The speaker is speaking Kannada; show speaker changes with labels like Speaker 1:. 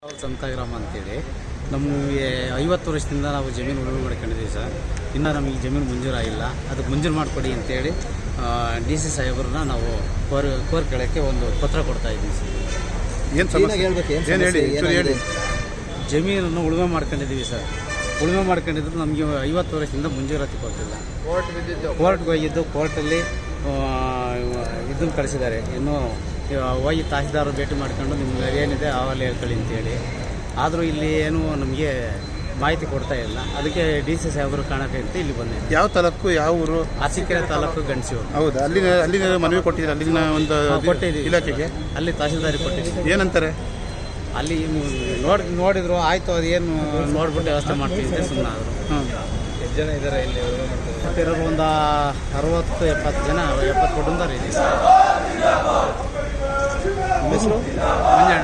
Speaker 1: ಸಂತಗ್ರಾಮ ಅಂತೇಳಿ ನಮಗೆ 50 ವರ್ಷದಿಂದ ನಾವು ಜಮೀನು ಉಳುಮೆ ಮಾಡ್ಕೊಂಡಿದ್ದೀವಿ ಸರ್. ಇನ್ನು ನಮಗೆ ಜಮೀನು ಮಂಜೂರಾಗಿಲ್ಲ, ಅದಕ್ಕೆ ಮಂಜೂರು ಮಾಡಿಕೊಡಿ ಅಂತೇಳಿ DC ಸಾಹೇಬ್ರನ್ನ ನಾವು ಕೋರ್ಕೊಳ್ಳೋಕ್ಕೆ ಒಂದು ಪತ್ರ ಕೊಡ್ತಾ ಇದ್ದೀವಿ ಸರ್. ಜಮೀನನ್ನು ಉಳುಮೆ ಮಾಡ್ಕೊಂಡಿದ್ದೀವಿ ಸರ್. ಉಳುಮೆ ಮಾಡ್ಕೊಂಡಿದ್ರು ನಮಗೆ 50 ವರ್ಷದಿಂದ ಮಂಜೂರಾತಿ ಕೊಟ್ಟಿಲ್ಲ. ಕೋರ್ಟ್ಗೆ ಹೋಗಿದ್ದು, ಕೋರ್ಟಲ್ಲಿ ಇದನ್ನು ಕಳಿಸಿದ್ದಾರೆ. ಇನ್ನೂ ಹೋಗಿ ತಹಸೀಲ್ದಾರರು ಭೇಟಿ ಮಾಡ್ಕೊಂಡು ನಿಮ್ಗೆ ಏನಿದೆ ಆವಲ್ಲಿ ಹೇಳ್ಕೊಳ್ಳಿ ಅಂತೇಳಿ. ಆದರೂ ಇಲ್ಲಿ ಏನು ನಮಗೆ ಮಾಹಿತಿ ಕೊಡ್ತಾ ಇಲ್ಲ. ಅದಕ್ಕೆ DC ಸಾಹೇಬರು ಕಾಣಕ್ಕೆ ಅಂತ ಇಲ್ಲಿ ಬಂದೆ.
Speaker 2: ಯಾವ ತಾಲೂಕು, ಯಾವ ಊರು?
Speaker 1: ಅರಸೀಕೆರೆ ತಾಲೂಕು, ಗಣಸಿಯೂರು.
Speaker 2: ಹೌದಾ? ಅಲ್ಲಿನ ಮನವಿ ಕೊಟ್ಟಿದ್ದೀರಾ? ಅಲ್ಲಿನ ಒಂದು
Speaker 1: ಕೊಟ್ಟಿದ್ದೀವಿ
Speaker 2: ಇಲಾಖೆಗೆ.
Speaker 1: ಅಲ್ಲಿ ತಹಸೀಲ್ದಾರಿಗೆ ಕೊಟ್ಟಿದ್ದೀವಿ.
Speaker 2: ಏನಂತಾರೆ?
Speaker 1: ಅಲ್ಲಿ ನೋಡಿದ್ರು ಆಯಿತು, ಅದೇನು ನೋಡ್ಬಿಟ್ಟು ವ್ಯವಸ್ಥೆ ಮಾಡ್ತೀವಿ ಅಂತ ಸುಮ್ಮನೆ ಆದರು.
Speaker 3: ಎಷ್ಟು ಜನ ಇದ್ದಾರೆ ಇಲ್ಲಿ?
Speaker 1: ಇರೋರು ಒಂದು 60-70 ಜನ, 70 ಕುಟುಂಬ ಇದೆ ಸರ್.
Speaker 2: ಹೆಸರು
Speaker 1: ಮಂಜಣ್ಣ.